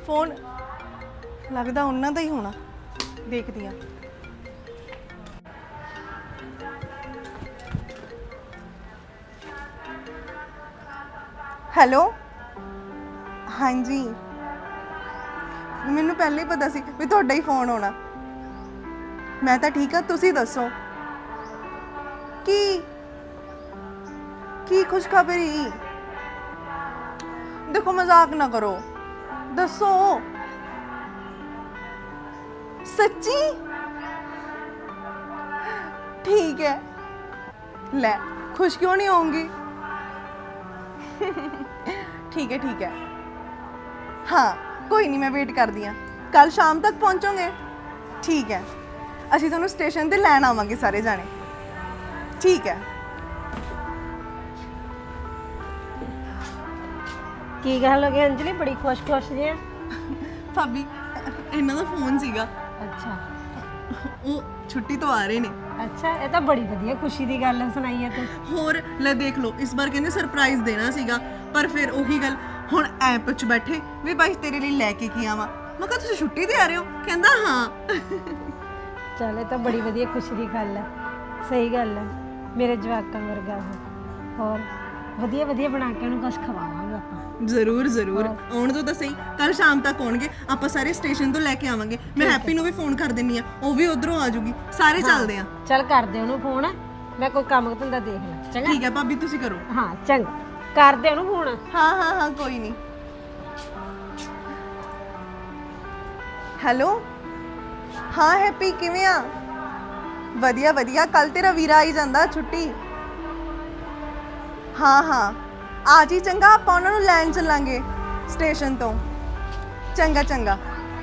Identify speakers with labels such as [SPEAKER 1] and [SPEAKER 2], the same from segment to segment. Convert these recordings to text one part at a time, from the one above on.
[SPEAKER 1] Phone लगदा उन्हां दा ही होना, देखदी हां। हेलो हाँ जी, मैनू पहले ही पता सी भी तुहाडा ही फोन होना। मैं तो ठीक हाँ, तुसी दसो की खुशखबरी? देखो मजाक ना करो, दसो सच्ची? ठीक है, ले खुश क्यों नहीं होंगी? ठीक है हाँ कोई नहीं, मैं वेट कर दी हाँ। कल शाम तक पहुँचोगे? ठीक है, ਅਸੀਂ ਤੁਹਾਨੂੰ ਸਟੇਸ਼ਨ ਤੇ ਲੈਣ ਆਵਾਂਗੇ ਸਾਰੇ ਜਾਣੇ। ਠੀਕ ਹੈ।
[SPEAKER 2] ਕੀ ਗੱਲ ਹੋ ਗਈ ਅੰਜਲੀ, ਬੜੀ ਖੁਸ਼ ਜਿਹਾ?
[SPEAKER 1] ਭਾਬੀ ਇਹਨਾਂ ਦਾ ਫੋਨ ਸੀਗਾ।
[SPEAKER 2] ਅੱਛਾ,
[SPEAKER 1] ਉਹ ਛੁੱਟੀ ਤੋਂ ਆ ਰਹੇ ਨੇ।
[SPEAKER 2] ਅੱਛਾ, ਇਹ ਤਾਂ ਬੜੀ ਵਧੀਆ ਖੁਸ਼ੀ ਦੀ ਗੱਲ ਸੁਣਾਈ ਹੈ ਤੂੰ।
[SPEAKER 1] ਹੋਰ ਲੈ ਦੇਖ ਲਓ, ਇਸ ਵਾਰ ਕਹਿੰਦੇ ਸਰਪ੍ਰਾਈਜ਼ ਦੇਣਾ ਸੀਗਾ, ਪਰ ਫਿਰ ਉਹੀ ਗੱਲ, ਹੁਣ ਐਪ 'ਚ ਬੈਠੇ ਵੀ ਬਾਈ ਤੇਰੇ ਲਈ ਲੈ ਕੇ ਕੀ ਆਵਾਂ। ਮੈਂ ਕਿਹਾ ਤੁਸੀਂ ਛੁੱਟੀ ਤੇ ਆ ਰਹੇ ਹੋ? ਕਹਿੰਦਾ ਹਾਂ।
[SPEAKER 2] ਚੱਲ ਇਹ ਤਾਂ ਬੜੀ ਵਧੀਆ ਖੁਸ਼ੀ ਦੀ ਗੱਲ ਹੈ। ਸਹੀ ਗੱਲ ਹੈ, ਮੇਰੇ ਜਵਾਕਾਂ ਵਰਗਾ ਉਹ। ਹੋਰ ਵਧੀਆ ਬਣਾ ਕੇ ਉਹਨੂੰ ਕੁਝ ਖਵਾਵਾਂਗੇ ਆਪਾਂ।
[SPEAKER 1] ਜ਼ਰੂਰ ਆਉਣ ਤੋਂ ਤਾਂ ਸਹੀ, ਕੱਲ ਸ਼ਾਮ ਤੱਕ ਆਉਣਗੇ, ਆਪਾਂ ਸਾਰੇ ਸਟੇਸ਼ਨ ਤੋਂ ਲੈ ਕੇ ਆਵਾਂਗੇ। ਮੈਂ ਹੈਪੀ ਨੂੰ ਵੀ ਫੋਨ ਕਰ ਦਿੰਨੀ ਆ, ਉਹ ਵੀ ਉਧਰੋਂ ਆ ਜਾਊਗੀ, ਸਾਰੇ ਚੱਲਦੇ ਆ।
[SPEAKER 2] ਚੱਲ ਕਰਦੇ ਉਹਨੂੰ ਫੋਨ, ਮੈਂ ਕੋਈ ਕੰਮ ਧੰਦਾ ਦੇਖ ਲਾਂ। ਚੰਗਾ
[SPEAKER 1] ਠੀਕ ਹੈ ਭਾਬੀ, ਤੁਸੀਂ ਕਰੋ।
[SPEAKER 2] ਹਾਂ ਚੰਗਾ, ਕਰਦੇ ਉਹਨੂੰ ਫੋਨ।
[SPEAKER 1] ਹਾਂ ਕੋਈ ਨਹੀਂ। ਹੈਲੋ ਹਾਂ ਹੈਪੀ, ਕਿਵੇਂ ਆ? ਵਧੀਆ ਕੱਲ ਤੇਰਾ ਵੀਰਾ ਆਈ ਜਾਂਦਾ ਛੁੱਟੀ। ਹਾਂ ਆ ਜੀ, ਚੰਗਾ ਆਪਾਂ ਉਹਨਾਂ ਨੂੰ ਲੈਣ ਚੱਲਾਂਗੇ ਸਟੇਸ਼ਨ ਤੋਂ। ਚੰਗਾ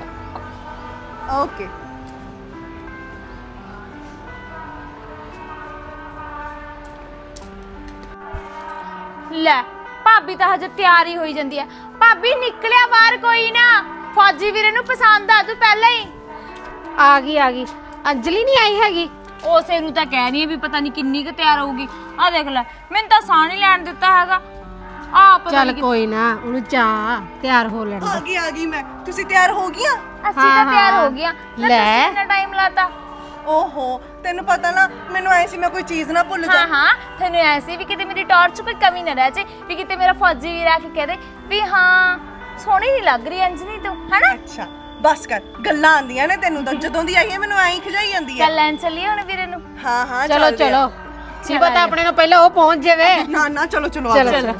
[SPEAKER 1] ਓਕੇ।
[SPEAKER 3] ਲੈ ਭਾਬੀ ਤਾਂ ਹਜੇ ਤਿਆਰ ਹੀ ਹੋਈ ਜਾਂਦੀ ਹੈ। ਭਾਬੀ ਨਿਕਲਿਆ ਬਾਹਰ ਕੋਈ ਨਾ, ਫੌਜੀ ਵੀਰੇ ਨੂੰ ਪਸੰਦ ਆ ਤੂੰ ਪਹਿਲਾਂ ਹੀ।
[SPEAKER 2] ਆ ਗਈ ਅੰਜਲੀ ਨਹੀਂ ਆਈ ਹੈਗੀ?
[SPEAKER 3] ਉਸੇ ਨੂੰ ਤਾਂ ਕਹਿ ਰਹੀ ਹੈ ਵੀ ਪਤਾ ਨਹੀਂ ਕਿੰਨੀ ਕੁ ਤਿਆਰ ਹੋਊਗੀ। ਆ ਦੇਖ ਲੈ, ਮੈਨੂੰ ਤਾਂ ਸਾਹ ਨਹੀਂ ਲੈਣ ਦਿੱਤਾ ਹੈਗਾ।
[SPEAKER 2] ਚੱਲ ਕੋਈ ਨਾ, ਉਹਨੂੰ ਚਾਹ ਤਿਆਰ ਹੋ ਲੈਣ ਦੇ।
[SPEAKER 1] ਆ ਗਈ ਮੈਂ। ਤੁਸੀਂ ਤਿਆਰ ਹੋ ਗਈਆਂ?
[SPEAKER 3] ਅਸੀਂ ਤਾਂ ਤਿਆਰ ਹੋ ਗਈਆਂ। ਲੈ ਕਿੰਨਾ ਟਾਈਮ ਲਾਤਾ?
[SPEAKER 1] ਓਹੋ, ਤੈਨੂੰ ਪਤਾ ਨਾ, ਮੈਨੂੰ ਐ ਸੀ ਮੈਂ ਕੋਈ ਚੀਜ਼ ਨਾ ਭੁੱਲ ਜਾ।
[SPEAKER 3] ਹਾਂ ਤੈਨੂੰ ਐ ਸੀ ਵੀ ਕਿਤੇ ਮੇਰੀ ਟੌਰ 'ਚ ਕੋਈ ਕਮੀ ਨਾ ਰਹਿ ਜੇ, ਵੀ ਕਿਤੇ ਮੇਰਾ ਫੌਜੀ ਵੀਰ ਆ ਕੇ ਕਹਿ ਦੇ ਵੀ ਹਾਂ ਸੋਹਣੀ ਨਹੀਂ ਲੱਗ ਰਹੀ ਅੰਜਲੀ ਤੂੰ, ਹੈਨਾ?
[SPEAKER 1] ਅੱਛਾ ਬਸ ਕਰ, ਗੱਲਾਂ ਆਂਦੀਆਂ ਨੇ ਤੈਨੂੰ ਤਾਂ, ਜਦੋਂ ਦੀ ਆਈ ਹੈ ਮੈਨੂੰ ਐਂ ਖਿਜਾਈ ਜਾਂਦੀ ਹੈ।
[SPEAKER 3] ਚੱਲ ਲੈਣ ਚੱਲੀਏ ਹੁਣ ਵੀਰੇ ਨੂੰ।
[SPEAKER 1] ਹਾਂ
[SPEAKER 2] ਚਲੋ ਕੀ ਪਤਾ ਆਪਣੇ ਨੂੰ ਪਹਿਲਾਂ ਉਹ ਪਹੁੰਚ ਜਾਵੇ।
[SPEAKER 1] ਨਾ ਚਲੋ
[SPEAKER 2] ਚਲੋ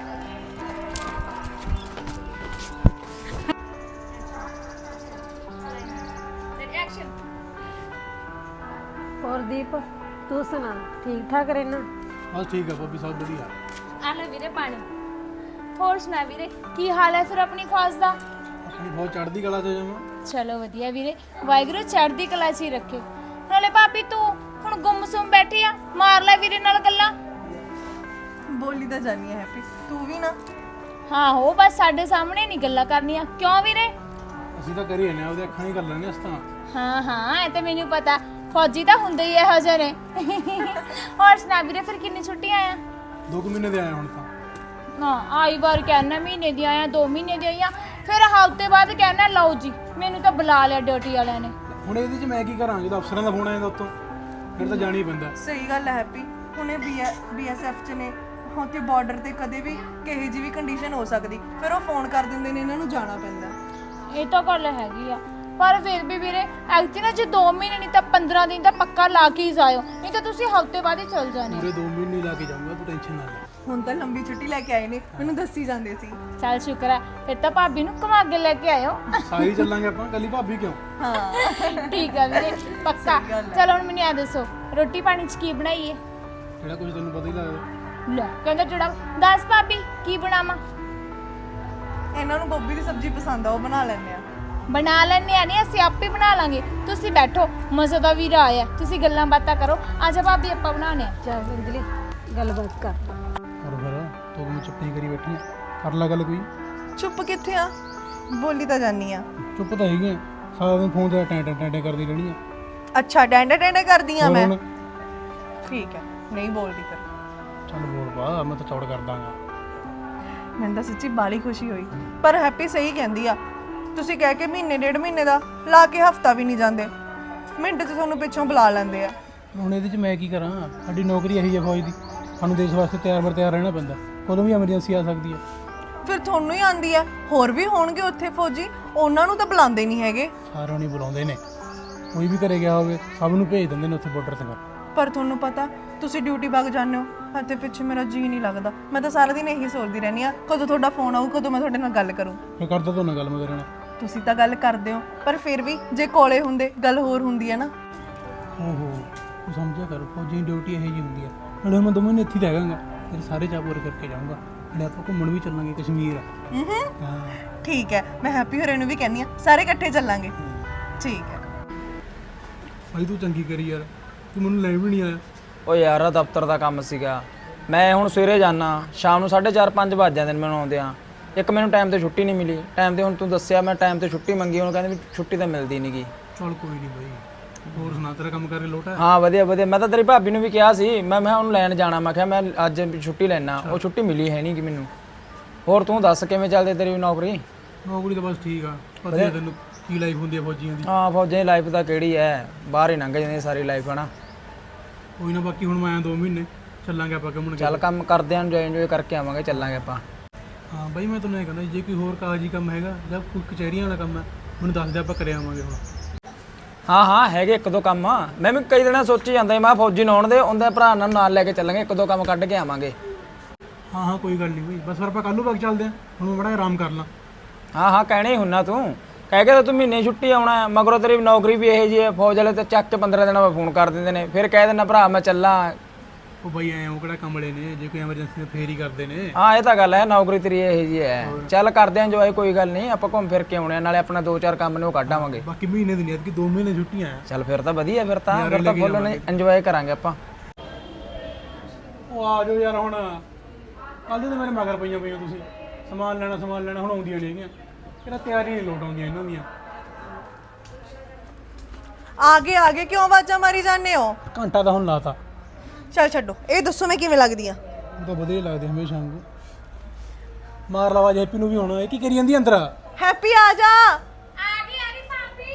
[SPEAKER 2] ਹੋਰ ਦੀਪ, ਤੂੰ ਸੁਣਾ, ਠੀਕ ਠਾਕ ਰਹਿਣਾ?
[SPEAKER 4] ਬਸ ਠੀਕ ਹੈ ਭਾਬੀ, ਸਭ ਵਧੀਆ।
[SPEAKER 3] ਆ ਲੈ ਵੀਰੇ ਪਾਣੀ। ਹੋਰ ਸੁਣਾ ਵੀਰੇ, ਕੀ ਹਾਲ ਹੈ ਫਿਰ ਆਪਣੀ ਖਾਸ ਦਾ?
[SPEAKER 4] ਆਪਣੀ ਬਹੁਤ ਚੜ੍ਹਦੀ ਕਲਾ 'ਚ ਜਾਵਾਂ।
[SPEAKER 3] ਚਲੋ ਵਧੀਆ ਵੀਰੇ, ਵਾਹਿਗੁਰੂ ਚੜ੍ਹਦੀ ਕਲਾ 'ਚ ਹੀ ਰੱਖੇ। ਨਾਲੇ ਭਾਬੀ ਤੂੰ ਹੁਣ ਗੁੰਮਸੁੰਮ ਬੈਠੀ ਆ, ਮਾਰ ਲੈ ਵੀਰੇ ਨਾਲ ਗੱਲਾਂ।
[SPEAKER 1] ਬੋਲੀ ਤਾਂ ਜਾਨੀ ਹੈ ਹੈਪੀ, ਤੂੰ ਵੀ ਨਾ।
[SPEAKER 3] ਹਾਂ ਹੋ, ਬਸ ਸਾਡੇ ਸਾਹਮਣੇ ਨਹੀਂ ਗੱਲਾਂ ਕਰਨੀਆਂ। ਕਿਉਂ ਵੀਰੇ?
[SPEAKER 4] ਅਸੀਂ ਤਾਂ ਕਰੀ ਜਾਂਦੇ ਆ, ਉਹਦੇ ਅੱਖਾਂ ਹੀ ਕਰ ਲੈਣੇ ਅਸ ਤਾਂ।
[SPEAKER 3] ਹਾਂ ਇਹ ਤਾਂ ਮੈਨੂੰ ਪਤਾ, ਫੌਜੀ ਤਾਂ ਹੁੰਦੇ ਹੀ ਇਹੋ ਜਿਹੇ ਨੇ। ਹੋਰ ਸੁਣਾ ਵੀਰੇ, ਫਿਰ ਕਿੰਨੀ ਛੁੱਟੀਆਂ ਆ?
[SPEAKER 4] 2 ਮਹੀਨੇ ਦੇ ਆਏ ਹੁਣ ਤਾਂ।
[SPEAKER 3] ਨਾ ਆਈ ਵਾਰ ਕਹਿਣਾ ਮਹੀਨੇ ਦੀ ਆਇਆ, 2 ਮਹੀਨੇ ਦੀ ਆਈਆਂ, ਫਿਰ ਹਫ਼ਤੇ ਬਾਅਦ ਕਹਿਣਾ ਲਓ ਜੀ ਮੈਨੂੰ ਤਾਂ ਬੁਲਾ ਲਿਆ ਡਿਊਟੀ ਵਾਲਿਆਂ ਨੇ।
[SPEAKER 4] ਹੁਣ ਇਹਦੇ 'ਚ ਮੈਂ ਕੀ ਕਰਾਂ, ਜਦੋਂ ਅਫਸਰਾਂ ਦਾ ਫੋਨ ਆ ਜਾਂਦਾ ਉੱਤੋਂ, ਫਿਰ ਤਾਂ ਜਾਣਾ ਹੀ ਪੈਂਦਾ।
[SPEAKER 1] ਸਹੀ ਗੱਲ ਹੈ ਹੈਪੀ, ਹੁਣੇ BSF 'ਚ ਨੇ, ਉੱਥੇ ਬਾਰਡਰ ਤੇ ਕਦੇ ਵੀ ਕਿਹੇ ਜੀ ਵੀ ਕੰਡੀਸ਼ਨ ਹੋ ਸਕਦੀ, ਫਿਰ ਉਹ ਫੋਨ ਕਰ ਦਿੰਦੇ ਨੇ, ਇਹਨਾਂ ਨੂੰ ਜਾਣਾ ਪੈਂਦਾ।
[SPEAKER 3] ਇਹ ਤਾਂ ਗੱਲ ਹੈਗੀ ਆ, ਪਰ ਫਿਰ ਵੀ ਵੀਰੇ ਐਕਚੁਅਲੀ ਨਾ ਜੇ 2 ਮਹੀਨੇ ਨਹੀਂ ਤਾਂ 15 ਦਿਨ ਤਾਂ ਪੱਕਾ ਲਾ ਕੇ ਹੀ ਜਾਇਓ, ਨਹੀਂ ਤਾਂ ਤੁਸੀਂ ਹਫ਼ਤੇ ਬਾਅਦ ਹੀ ਚਲ ਜਾਣੇ।
[SPEAKER 4] ਪੂਰੇ 2 ਮਹੀਨੇ ਲਾ ਕੇ ਜਾਊਂਗਾ, ਤੂੰ ਟੈਨਸ਼ਨ ਨਾ ਲੈ।
[SPEAKER 1] ਹੁਣ ਤਾਂ ਲੰਬੀ ਛੁੱਟੀ ਲੈ ਕੇ ਆਏ ਨੇ, ਮੈਨੂੰ ਦੱਸੀ ਜਾਂਦੇ ਸੀ।
[SPEAKER 3] ਚੱਲ ਸ਼ੁਕਰ ਹੈ, ਫਿਰ ਤਾਂ ਭਾਬੀ ਨੂੰ ਘੁਮਾ ਕੇ ਲੈ ਕੇ ਆਇਓ।
[SPEAKER 4] ਸਾਰੀ ਚੱਲਾਂਗੇ ਆਪਾਂ, ਕੱਲੀ ਭਾਬੀ ਕਿਉਂ?
[SPEAKER 1] ਹਾਂ
[SPEAKER 3] ਠੀਕ ਆ ਵੀਰੇ, ਪੱਕਾ। ਚਲੋ ਹੁਣ ਮੈਨੂੰ ਇਹ ਦੱਸੋ, ਰੋਟੀ ਪਾਣੀ 'ਚ ਕੀ ਬਣਾਈਏ?
[SPEAKER 4] ਜਿਹੜਾ ਕੁਝ ਤੈਨੂੰ ਪਤਾ ਹੀ ਲੱਗਦਾ।
[SPEAKER 3] ਲੈ ਕਹਿੰਦਾ ਜਿਹੜਾ, ਦੱਸ ਭਾਬੀ ਕੀ ਬਣਾਵਾਂ?
[SPEAKER 1] ਇਹਨਾਂ ਨੂੰ ਗੋਭੀ ਦੀ ਸਬਜ਼ੀ ਪਸੰਦ ਆ, ਉਹ ਬਣਾ ਲੈਂਦੇ ਆ।
[SPEAKER 3] ਬਣਾ ਲੈਣੇ ਆ, ਨਹੀਂ ਅਸੀਂ ਆਪੇ ਬਣਾ ਲਾਂਗੇ। ਤੁਸੀਂ ਬੈਠੋ, ਮਜ਼ੇ ਦਾ ਵੀਰਾ ਆਇਆ, ਤੁਸੀਂ ਗੱਲਾਂ ਬਾਤਾਂ ਕਰੋ। ਆਜਾ ਭਾਬੀ ਆਪਾਂ ਬਣਾਉਣੇ ਆ।
[SPEAKER 2] ਚੱਲ ਅੰਜਲੀ ਗੱਲਬਾਤ ਕਰ।
[SPEAKER 4] ਪਰ ਫਿਰ ਤੂੰ ਮੈਂ ਚੁੱਪ ਨਹੀਂ ਕਰੀ ਬੈਠੀ, ਕਰ ਲੈ ਗੱਲ ਕੋਈ।
[SPEAKER 1] ਚੁੱਪ ਕਿੱਥੇ ਆ, ਬੋਲੀ ਤਾਂ ਜਾਨੀ ਆ।
[SPEAKER 4] ਚੁੱਪ ਤਾਂ ਹੈਗੀ ਆ, ਸਾਰਾ ਦਿਨ ਫੋਨ ਤੇ ਟੈਂ ਕਰਦੀ ਰਹਿਣੀ ਆ।
[SPEAKER 1] ਅੱਛਾ ਡੈਂਡੇ ਕਰਦੀ ਆ ਮੈਂ?
[SPEAKER 4] ਹੁਣ
[SPEAKER 1] ਠੀਕ ਹੈ, ਨਹੀਂ ਬੋਲਦੀ ਫਿਰ।
[SPEAKER 4] ਚੱਲ ਬੋਲ ਪਾ, ਮੈਂ ਤਾਂ ਚੌੜ ਕਰ ਦਾਂਗਾ।
[SPEAKER 1] ਮੈਨੂੰ ਤਾਂ ਸੱਚੀ ਬਾਲੀ ਖੁਸ਼ੀ ਹੋਈ, ਪਰ ਹੈਪੀ ਸਹੀ ਕਹਿੰਦੀ ਆ, ਤੁਸੀਂ ਕਹਿ ਕੇ ਮਹੀਨੇ ਡੇਢ ਮਹੀਨੇ ਦਾ ਲਾ ਕੇ ਹਫਤਾ ਵੀ ਨਹੀਂ ਜਾਂਦੇ, ਮਿੰਟ 'ਚ ਤੁਹਾਨੂੰ ਪਿੱਛੋਂ ਬੁਲਾ ਲੈਂਦੇ ਆ।
[SPEAKER 4] ਹੁਣ ਇਹਦੇ 'ਚ ਮੈਂ ਕੀ ਕਰਾਂ? ਸਾਡੀ ਨੌਕਰੀ ਇਹੀ ਹੈ ਫੌਜ ਦੀ, ਸਾਨੂੰ ਦੇਸ਼ ਵਾਸਤੇ ਤਿਆਰ ਰਹਿਣਾ ਪੈਂਦਾ, ਕਦੋਂ ਵੀ ਐਮਰਜੈਂਸੀ ਆ ਸਕਦੀ ਹੈ।
[SPEAKER 1] ਫਿਰ ਤੁਹਾਨੂੰ ਹੀ ਆਂਦੀ ਆ, ਹੋਰ ਵੀ ਹੋਣਗੇ ਉੱਥੇ ਫੌਜੀ, ਉਹਨਾਂ ਨੂੰ ਤਾਂ ਬੁਲਾਉਂਦੇ ਨਹੀਂ ਹੈਗੇ।
[SPEAKER 4] ਸਾਰਿਆਂ ਨੂੰ ਬੁਲਾਉਂਦੇ ਨੇ, ਕੋਈ ਵੀ ਘਰੇ ਗਿਆ ਹੋਵੇ ਸਭ ਨੂੰ ਭੇਜ ਦਿੰਦੇ ਨੇ ਉੱਥੇ ਬਾਰਡਰ ਤੇ।
[SPEAKER 1] ਪਰ ਤੁਹਾਨੂੰ ਪਤਾ ਤੁਸੀਂ ਡਿਊਟੀ ਵਗ ਜਾਂਦੇ ਹੋ ਅਤੇ ਪਿੱਛੇ ਮੇਰਾ ਜੀ ਨਹੀਂ ਲੱਗਦਾ। ਮੈਂ ਤਾਂ ਸਾਰਾ ਦਿਨ ਇਹੀ ਸੋਚਦੀ ਰਹਿੰਦੀ ਆ ਕਦੋਂ ਤੁਹਾਡਾ ਫੋਨ ਆਊ, ਕਦੋਂ ਮੈਂ ਤੁਹਾਡੇ ਨਾਲ ਗੱਲ ਕਰੂੰ।
[SPEAKER 4] ਮੈਂ ਕਰਦਾ ਤੁਹਾਨੂੰ ਗੱਲ ਮੈਂ ਕਰਨਾ।
[SPEAKER 1] ਤੁਸੀਂ ਤਾਂ ਗੱਲ ਕਰਦੇ ਹੋ, ਪਰ ਫਿਰ ਵੀ ਜੇ ਕੋਲੇ ਹੁੰਦੇ ਗੱਲ ਹੋਰ ਹੁੰਦੀ ਹੈ ਨਾ।
[SPEAKER 4] ਓਹੋ, ਤੂੰ ਸਮਝਿਆ ਕਰ, ਫੌਜੀ ਦੀ ਡਿਊਟੀ ਇਹੋ ਜਿਹੀ ਹੁੰਦੀ ਆ। ਨਾਲੇ ਮੈਂ 2 ਮਹੀਨੇ ਇੱਥੇ ਹੀ ਰਹਿ ਜਾਵਾਂਗਾ, ਫਿਰ ਸਾਰੇ ਚਾਅ ਪੂਰੇ ਕਰਕੇ ਜਾਊਂਗਾ। ਨਾਲੇ ਆਪਾਂ ਘੁੰਮਣ ਵੀ ਚੱਲਾਂਗੇ ਕਸ਼ਮੀਰ। ਹਾਂ
[SPEAKER 1] ਠੀਕ ਹੈ, ਮੈਂ ਹੈਪੀ ਹੋਰੇ ਨੂੰ ਵੀ ਕਹਿੰਦੀ ਆ, ਸਾਰੇ ਇਕੱਠੇ ਚੱਲਾਂਗੇ। ਠੀਕ ਹੈ
[SPEAKER 4] ਭਾਈ, ਤੂੰ ਚੰਗੀ ਕਰੀ ਯਾਰ, ਤੂੰ ਮੈਨੂੰ ਲੈ ਵੀ ਨਹੀਂ ਆਇਆ।
[SPEAKER 5] ਉਹ ਯਾਰ ਦਫ਼ਤਰ ਦਾ ਕੰਮ ਸੀਗਾ, ਮੈਂ ਹੁਣ ਸਵੇਰੇ ਜਾਣਾ, ਸ਼ਾਮ ਨੂੰ 4:30-5 ਵੱਜ ਜਾਂਦੇ ਨੇ ਮੈਨੂੰ ਆਉਂਦਿਆਂ। ਇੱਕ ਮੈਨੂੰ ਟਾਈਮ ਤੇ ਛੁੱਟੀ ਨਹੀਂ ਮਿਲੀ, ਟਾਈਮ ਤੇ ਹੁਣ ਤੂੰ ਦੱਸਿਆ ਮੈਂ ਟਾਈਮ ਤੇ ਛੁੱਟੀ ਮੰਗੀ, ਉਹਨੂੰ ਕਹਿੰਦੇ ਵੀ ਛੁੱਟੀ ਤਾਂ ਮਿਲਦੀ ਨਹੀਂਗੀ।
[SPEAKER 4] ਚੱਲ ਕੋਈ ਨਹੀਂ ਬਾਈ, ਹੋਰ ਸੁਣਾ, ਤੇਰਾ ਕੰਮ ਕਰਕੇ ਲੋਟ ਹੈ?
[SPEAKER 5] ਹਾਂ ਵਧੀਆ ਵਧੀਆ, ਮੈਂ ਤਾਂ ਤੇਰੀ ਭਾਬੀ ਨੂੰ ਵੀ ਕਿਹਾ ਸੀ, ਮੈਂ ਉਹਨੂੰ ਲੈਣ ਜਾਣਾ, ਮੈਂ ਕਿਹਾ ਮੈਂ ਅੱਜ ਛੁੱਟੀ ਲੈਣਾ, ਉਹ ਛੁੱਟੀ ਮਿਲੀ ਹੈ ਨਹੀਂ ਕਿ ਮੈਨੂੰ। ਹੋਰ ਤੂੰ ਦੱਸ ਕਿਵੇਂ ਚੱਲਦੀ ਤੇਰੀ ਨੌਕਰੀ?
[SPEAKER 4] ਨੌਕਰੀ ਤਾਂ ਬਸ ਠੀਕ ਆ, ਪਤਾ ਹੀ ਆ ਤੈਨੂੰ ਕੀ ਲਾਈਫ ਹੁੰਦੀ ਆ ਫੌਜੀਆਂ ਦੀ।
[SPEAKER 5] ਹਾਂ ਫੌਜਾਂ ਦੀ ਲਾਈਫ ਤਾਂ ਕਿਹੜੀ ਹੈ, ਬਾਹਰ ਹੀ ਲੰਘ ਜਾਂਦੀ ਸਾਰੀ ਲਾਈਫ ਹੈ ਨਾ।
[SPEAKER 4] ਕੋਈ ਨਾ, ਬਾਕੀ ਹੁਣ ਮੈਂ 2 ਮਹੀਨੇ ਚੱਲਾਂਗੇ ਆਪਾਂ ਘੁੰਮਣ।
[SPEAKER 5] ਚੱਲ ਕੰਮ ਕਰਦੇ ਆਂ, ਇੰਜੋਏ ਕਰਕੇ ਆਵਾਂਗੇ, ਚੱਲਾਂਗੇ ਆਪਾਂ।
[SPEAKER 4] ਹਾਂ ਬਾਈ, ਮੈਂ ਤੁਹਾਨੂੰ ਇਹ ਕਹਿੰਦਾ ਜੇ ਕੋਈ ਹੋਰ ਕਾਗਜ਼ੀ ਕੰਮ ਹੈਗਾ ਜਾਂ ਕੋਈ ਕਚਹਿਰੀਆਂ ਵਾਲਾ ਕੰਮ ਹੈ ਮੈਨੂੰ ਦੱਸ ਦੇ, ਆਪਾਂ ਕਰੇ ਆਵਾਂਗੇ ਹੁਣ।
[SPEAKER 5] ਹਾਂ ਹੈਗੇ 1-2 ਕੰਮ, ਮੈਂ ਵੀ ਕਈ ਦਿਨਾਂ ਸੋਚੀ ਜਾਂਦਾ ਮੈਂ ਫੌਜੀ ਨੂੰ ਆਉਣ ਦੇ, ਉਹਦੇ ਭਰਾ ਨਾਲ ਲੈ ਕੇ ਚੱਲਾਂਗੇ, 1-2 ਕੰਮ ਕੱਢ ਕੇ ਆਵਾਂਗੇ।
[SPEAKER 4] ਹਾਂ ਕੋਈ ਗੱਲ ਨਹੀਂ ਬਾਈ, ਬਸ ਫਿਰ ਆਪਾਂ ਕੱਲ੍ਹ ਨੂੰ ਵਗ ਚੱਲਦੇ ਹਾਂ, ਹੁਣ ਮੈਂ ਬੜਾ ਆਰਾਮ ਕਰ ਲਾਂ।
[SPEAKER 5] ਹਾਂ ਕਹਿਣਾ ਹੀ ਹੁੰਨਾ ਤੂੰ, ਕਹਿ ਕੇ ਤੂੰ ਮਹੀਨੇ ਛੁੱਟੀ ਆਉਣਾ, ਮਗਰੋਂ ਤੇਰੀ ਨੌਕਰੀ ਵੀ ਇਹੋ ਜਿਹੀ ਹੈ, ਫੌਜ ਵਾਲੇ ਤਾਂ ਚੱਕ ਕੇ 15 ਦਿਨਾਂ ਬਾਅਦ ਫੋਨ ਕਰ ਦਿੰਦੇ ਨੇ, ਫਿਰ ਕਹਿ ਦਿੰਦਾ ਭਰਾ ਮੈਂ ਚੱਲਾਂ।
[SPEAKER 4] ਉਹ ਬਾਈ ਐਂ ਉਹ ਕਿਹੜਾ ਕਮਲੇ ਨੇ, ਜੇ ਕੋਈ ਐਮਰਜੈਂਸੀ ਨੇ ਫੇਰ ਹੀ ਕਰਦੇ ਨੇ।
[SPEAKER 5] ਹਾਂ ਇਹ ਤਾਂ ਗੱਲ ਹੈ, ਨੌਕਰੀ ਤੇਰੀ ਇਹੋ ਜਿਹੀ ਹੈ। ਚੱਲ ਕਰਦੇ ਆਂ ਇੰਜੋਏ, ਕੋਈ ਗੱਲ ਨਹੀਂ, ਆਪਾਂ ਘੁੰਮ ਫਿਰ ਕੇ ਆਉਣੇ, ਨਾਲੇ ਆਪਣਾ 2-4 ਕੰਮ ਨੇ ਉਹ ਕੱਢ ਆਵਾਂਗੇ।
[SPEAKER 4] ਬਾਕੀ ਮਹੀਨੇ ਦੀ ਨਹੀਂ, ਐਤਕੀ 2 ਮਹੀਨੇ ਛੁੱਟੀਆਂ ਆ।
[SPEAKER 5] ਚੱਲ ਫਿਰ ਤਾਂ ਵਧੀਆ, ਫਿਰ ਤਾਂ ਫੁੱਲ ਇੰਜੋਏ ਕਰਾਂਗੇ ਆਪਾਂ।
[SPEAKER 4] ਉਹ ਆ ਜਾਓ ਯਾਰ, ਹੁਣ ਕੱਲ੍ਹ ਦੇ ਤਾਂ ਮੇਰੇ ਮਗਰ ਪਈਆਂ ਤੁਸੀਂ, ਸਮਾਨ ਲੈਣਾ ਹੁਣ ਆਉਂਦੀਆਂ ਨਹੀਂ ਹੈਗੀਆਂ, ਕਿਹੜਾ ਤਿਆਰੀ ਨਹੀਂ ਲੋਟ ਆਉਂਦੀਆਂ ਇਹਨਾਂ ਦੀਆਂ।
[SPEAKER 1] ਆਗੇ ਕਿਉਂ ਆਵਾਜ਼ਾਂ ਮਾਰੀ ਜਾਂਦੇ ਹੋ?
[SPEAKER 4] ਘੰਟਾ ਤਾਂ ਹੁਣ ਲਾਤਾ।
[SPEAKER 1] ਚੱਲ ਛੱਡੋ, ਇਹ ਦੱਸੋ ਮੈਂ ਕਿਵੇਂ ਲੱਗਦੀ ਆ?
[SPEAKER 4] ਉਹ ਤਾਂ ਵਧੀਆ ਲੱਗਦੇ ਹਮੇਸ਼ਾ ਨੂੰ। ਮਾਰ ਲਵਾ ਹੈਪੀ ਨੂੰ ਵੀ ਹੁਣ, ਇਹ ਕੀ ਕਰੀ ਜਾਂਦੀ ਅੰਦਰ?
[SPEAKER 1] ਹੈਪੀ ਆ ਜਾ।
[SPEAKER 3] ਆ ਗਈ ਭਾਬੀ।